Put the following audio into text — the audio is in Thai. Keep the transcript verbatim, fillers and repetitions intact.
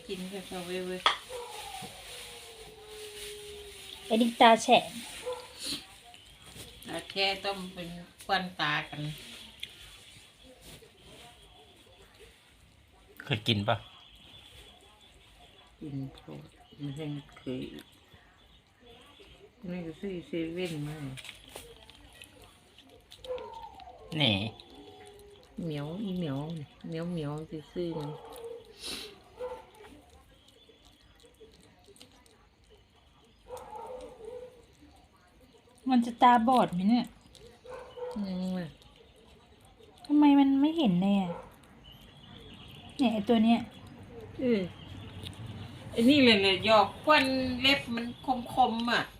กินกับเขาเว้ยเว้ยไอ้ดิตาแฉะตาแค่ต้องเป็นควันตากันเคยกินปะกินโคตรมันยังเคยนี่ก็ซื้อเซเว่นมาแหน่เหมียวอีเหมียวเหมียวเหมียวจะซื้อมันมันจะตาบอดไหมเนี่ยยังไงทำไมมันไม่เห็นเลยอ่ะเนี่ยไอ้ตัวเนี้ยเออไอ้นี่เลยเลยหยอกควันเล็บมันคมๆอ่ะ